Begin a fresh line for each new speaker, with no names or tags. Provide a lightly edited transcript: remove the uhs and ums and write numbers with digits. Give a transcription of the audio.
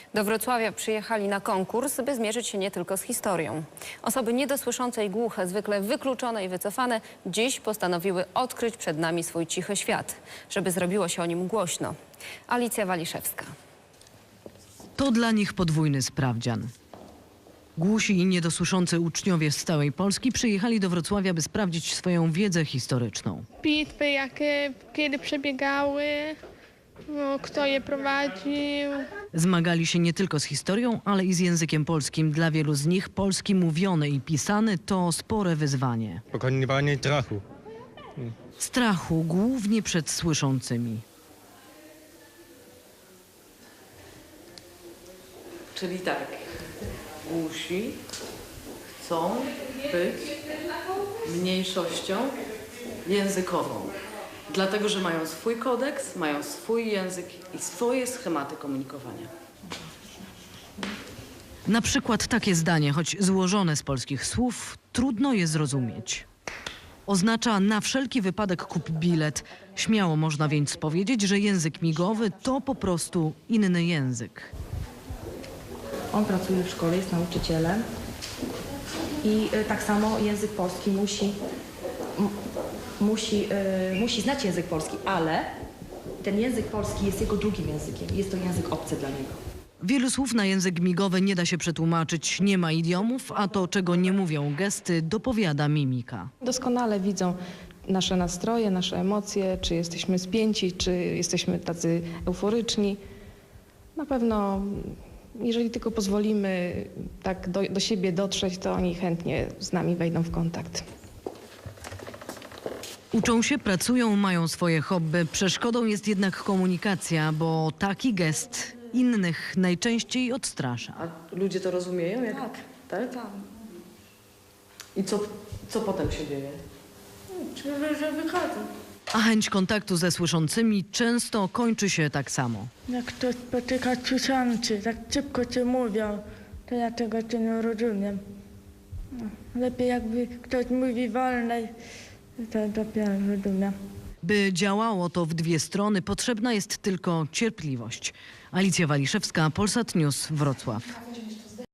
Do Wrocławia przyjechali na konkurs, by zmierzyć się nie tylko z historią. Osoby niedosłyszące i głuche, zwykle wykluczone i wycofane, dziś postanowiły odkryć przed nami swój cichy świat, żeby zrobiło się o nim głośno. Alicja Waliszewska.
To dla nich podwójny sprawdzian. Głusi i niedosłyszący uczniowie z całej Polski przyjechali do Wrocławia, by sprawdzić swoją wiedzę historyczną.
Bitwy, jakie kiedy przebiegały, no, kto je prowadził.
Zmagali się nie tylko z historią, ale i z językiem polskim. Dla wielu z nich polski mówiony i pisany to spore wyzwanie.
Pokonywanie strachu.
Strachu głównie przed słyszącymi.
Czyli tak, głusi chcą być mniejszością językową. Dlatego, że mają swój kodeks, mają swój język i swoje schematy komunikowania.
Na przykład takie zdanie, choć złożone z polskich słów, trudno je zrozumieć. Oznacza na wszelki wypadek kup bilet. Śmiało można więc powiedzieć, że język migowy to po prostu inny język.
On pracuje w szkole, jest nauczycielem i tak samo język polski musi znać język polski, ale ten język polski jest jego drugim językiem. Jest to język obcy dla niego.
Wielu słów na język migowy nie da się przetłumaczyć, nie ma idiomów, a to, czego nie mówią gesty, dopowiada mimika.
Doskonale widzą nasze nastroje, nasze emocje, czy jesteśmy spięci, czy jesteśmy tacy euforyczni. Na pewno, jeżeli tylko pozwolimy tak do siebie dotrzeć, to oni chętnie z nami wejdą w kontakt.
Uczą się, pracują, mają swoje hobby. Przeszkodą jest jednak komunikacja, bo taki gest innych najczęściej odstrasza.
A ludzie to rozumieją? Jak... Tak? Tak. I co potem się dzieje?
Że wychodzą.
A chęć kontaktu ze słyszącymi często kończy się tak samo.
Jak ktoś spotyka słyszący, tak szybko cię mówią, to ja tego cię nie rozumiem. No, lepiej jakby ktoś mówi wolniej, to dopiero rozumiem.
By działało to w dwie strony, potrzebna jest tylko cierpliwość. Alicja Waliszewska, Polsat News, Wrocław.